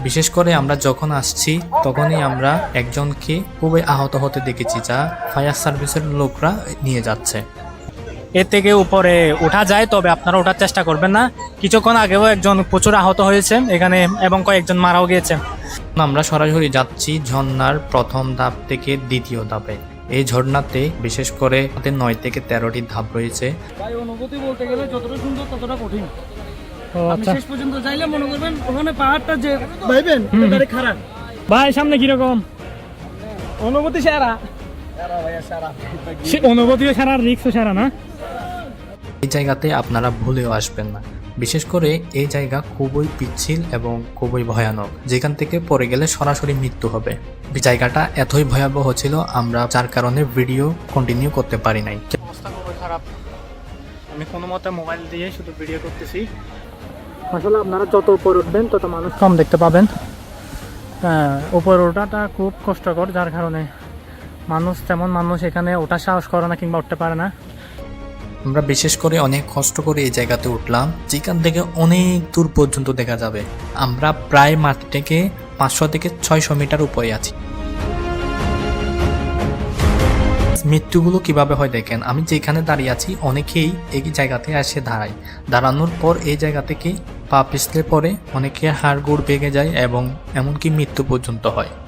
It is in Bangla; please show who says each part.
Speaker 1: বিশেষ করে আমরা যখন আসছি তখনই আমরা একজনকে খুবই আহত হতে দেখেছি, যা ফায়ার সার্ভিসের লোকরা নিয়ে যাচ্ছে।
Speaker 2: এর থেকে উপরে ওঠা যায়, তবে আপনারা ওঠার চেষ্টা করবেন না। কিছুক্ষণ আগেও একজন প্রচুর আহত হয়েছে এখানে এবং কয়েকজন মারাও গিয়েছে।
Speaker 1: আমরা সরাসরি যাচ্ছি ঝর্ণার প্রথম ধাপ থেকে দ্বিতীয় ধাপে। এই ঝর্ণাতে বিশেষ করে 9 থেকে 13টি ধাপ রয়েছে।
Speaker 3: ভাই অনুভূতি বলতে গেলে যতটা সুন্দর ততটা কঠিন। আপনি
Speaker 2: আচ্ছা
Speaker 3: শেষ পর্যন্ত যাইলে মনে করবেন ওখানে পাহাড়টা যে ভাইবেন এটা খারাপ।
Speaker 2: ভাই, সামনে কিরকম
Speaker 3: অনুভূতি সেরা।
Speaker 2: অনুভূতিও সারা, রিক্সও সারা না?
Speaker 1: এই জায়গাতে আপনারা ভুলেও আসবেন না। বিশেষ করে এই জায়গা খুবই পিচ্ছিল এবং খুবই ভয়ানক, যেখান থেকে পড়ে গেলে সরাসরি মৃত্যু হবে। জায়গাটা এতই ভয়াবহ ছিল, আমরা যার কারণে ভিডিও কন্টিনিউ করতে পারি নাই।
Speaker 2: অবস্থা খুবই খারাপ। আমি কোনো মতে মোবাইল দিয়ে শুধু ভিডিও করতেছি। আসলে আপনারা যত উপর উঠবেন তত মানুষ কম দেখতে পাবেন। উপর ওঠাটা খুব কষ্টকর, যার কারণে তেমন মানুষ এখানে ওঠার সাহস করে না কিংবা উঠতে পারে না।
Speaker 1: আমরা বিশেষ করে অনেক কষ্ট করে এই জায়গাতে উঠলাম, যেখান থেকে অনেক দূর পর্যন্ত দেখা যাবে। আমরা প্রায় মাটি থেকে 500 থেকে 600 মিটার উপরে আছি। মৃত্যুগুলো কিভাবে হয় দেখেন, আমি যেখানে দাঁড়িয়ে আছি অনেকেই এই জায়গাতে এসে দাঁড়ায়। দাঁড়ানোর পর এই জায়গা থেকে পা পিছলে পড়ে অনেকে হাড় গোড় ভেঙে যায় এবং এমনকি মৃত্যু পর্যন্ত হয়।